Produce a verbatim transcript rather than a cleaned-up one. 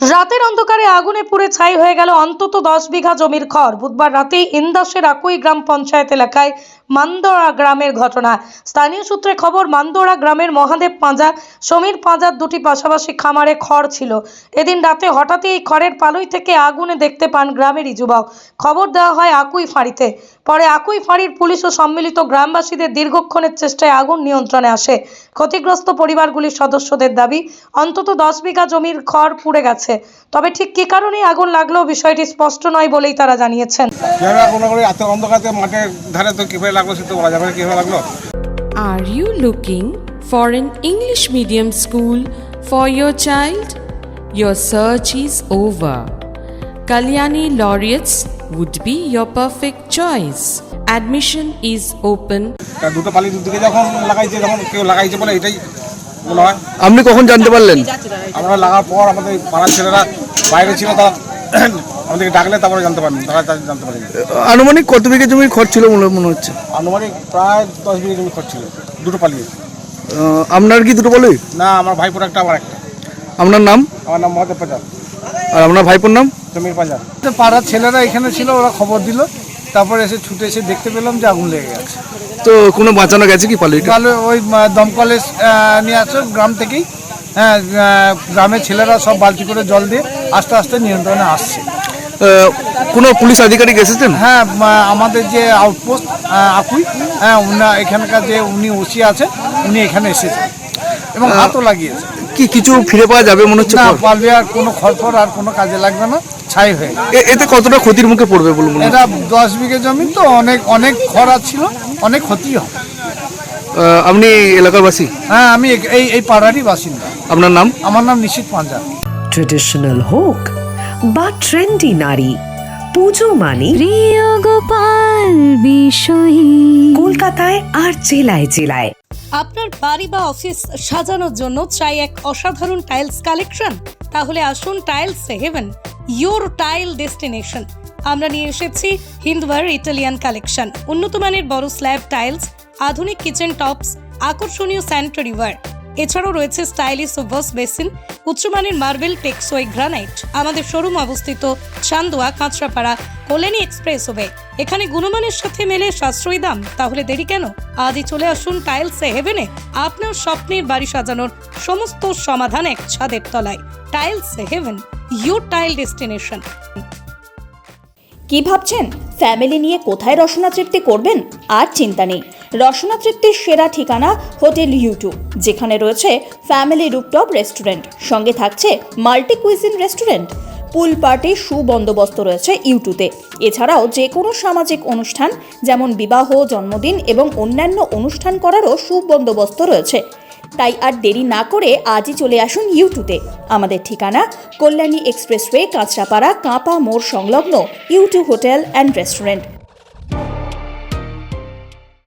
রাতের অন্ধকারে আগুনে পুড়ে ছাই হয়ে গেল অন্তত দশ বিঘা জমির খড়। বুধবার রাতেই ইন্দাসের আকুই গ্রাম পঞ্চায়েত এলাকায় মান্দোড়া গ্রামের ঘটনা। স্থানীয় সূত্রে খবর, মান্দোড়া গ্রামের মহাদেব পাঁজা, সমীর পাঁজার দুটি পাশাপাশি খামারে খড় ছিল। এদিন রাতে হঠাৎই এই খড়ের পালুই থেকে আগুনে দেখতে পান গ্রামেরই যুবক। খবর দেওয়া হয় আকুই ফাঁড়িতে। পরে আকুই ফাঁড়ির পুলিশ ও সম্মিলিত গ্রামবাসীদের দীর্ঘক্ষণের চেষ্টায় আগুন নিয়ন্ত্রণে আসে। ক্ষতিগ্রস্ত পরিবারগুলির সদস্যদের দাবি, অন্তত দশ বিঘা জমির খড় পুড়ে গেছে। তবে ঠিক কী কারণে আগুন লাগলো বিষয়টি স্পষ্ট নয় বলেই তারা জানিয়েছেন। Are you looking for an English medium school for your child? Your search is over. Kalyani Laureates would be your perfect choice. Admission is open. দুটো পালি দুদিকে যখন লাগাইছে তখন কেউ লাগাইছে বলে এটাই মনে হয়। আপনি কখন জানতে পারলেন? আমরা লাগার পর আমাদের পাড়ার ছেলেরা বাইরে ছিল, তারা আমাদেরকে ডাকলে তারপরে জানতে পারেন, তারা জানতে পারেন। আনুমানিক কত বিঘা জমির খরচ ছিল মনে হচ্ছে? আনুমানিক প্রায় দশ বিঘা জমি খরচ ছিল, দুটো পালিয়ে। আপনার কি দুটো পালি? না, আমার ভাইপোর একটা, আমার একটা। আপনার নাম? আমার নাম মহাদেব পাঁজা। আর আপনার ভাইপোর নাম? সমীর পাঁজা। পাড়ার ছেলেরা এখানে ছিল, ওরা খবর দিল, তারপরে এসে ছুটে এসে দেখতে পেলাম যে আগুন লেগে গেছে। তো কোনো বাঁচানো গেছে কি পালি? তাহলে ওই দমকলে নিয়ে আসো গ্রাম থেকেই। হ্যাঁ, গ্রামের ছেলেরা সব বালতি করে জল দিয়ে আস্তে আস্তে নিয়ন্ত্রণে আসছে। কোনো পুলিশ আধিকারিক এসেছেন? হ্যাঁ, আমাদের যে আউটপোস্ট আকুই, হ্যাঁ, উনি এখানকার যে উনি ওসি আছে, উনি এখানে এসেছেন এবং হাতও লাগিয়েছে। কি কিছু ফিরে পাওয়া যাবে মনে হচ্ছে? না, পারবে আর কোনো খড়ফড় আর কোনো কাজে লাগবে না, ছাই হয়ে। এতে কতটা ক্ষতির মুখে পড়বে বলুন? এটা দশ বিঘে জমি তো, অনেক অনেক খরা ছিল, অনেক ক্ষতি হয়। আপনি এলাকার বাসী? হ্যাঁ, আমি এই এই পাড়ারই বাসিন্দা। আপনার নাম? আমার নাম নিশিত পাঁজা। ট্রেডিশনাল হোক বা ট্রেন্ডি নারী, পুজো মানে প্রিয় গোপাল বিষয়ী কলকাতায় আর জেলায় জেলায়। আপনার বাড়ি বা অফিস সাজানোর জন্য চাই এক অসাধারণ টাইলস কালেকশন? তাহলে আসুন tiles heaven, your tile destination. আমরা নিয়ে এসেছি হিন্দওয়ার ইটালিয়ান কালেকশন, উন্নত মানের বড় স্ল্যাব টাইলস, আধুনিক কিচেন টপস, আকর্ষণীয় স্যানিটারি ওয়্যার। এছাড়াও রয়েছে স্টাইলিশ ওয়াশ বেসিন, উচ্চমানের মার্বেল, টেক্সোই, গ্রানাইট। আমাদের শোরুম অবস্থিত চান্দোয়া, কাঁচরাপাড়া, কল্যাণী এক্সপ্রেসওয়ে। এখানে গুণমানের সাথে মেলে সাশ্রয়ী দাম। তাহলে দেরি কেন? আজই চলে আসুন টাইলস হেভেনে। আপনার স্বপ্নের বাড়ি সাজানোর সমস্ত সমাধান এক ছাদের তলায়। Tiles heaven, your tile destination. কি ভাবছেন ফ্যামিলি নিয়ে কোথায় রসনা তৃপ্তি করবেন? আর চিন্তা নেই, রসনা তৃপ্তির সেরা ঠিকানা হোটেল ইউটিউব, যেখানে রয়েছে ফ্যামিলি রুফটপ রেস্টুরেন্ট, সঙ্গে থাকছে মাল্টি কুইজিন রেস্টুরেন্ট। পুল পার্টির সুবন্দোবস্ত রয়েছে ইউটিউবে। এছাড়াও যে কোনো সামাজিক অনুষ্ঠান যেমন বিবাহ, জন্মদিন এবং অন্যান্য অনুষ্ঠান করারও সুবন্দোবস্ত রয়েছে। তাই আর দেরি না করে আজই চলে আসুন ইউটিউবে। আমাদের ঠিকানা কল্যাণী এক্সপ্রেসওয়ে, কাঁচরাপাড়া, কাঁপা মোড় সংলগ্ন ইউটিউব হোটেল অ্যান্ড রেস্টুরেন্ট।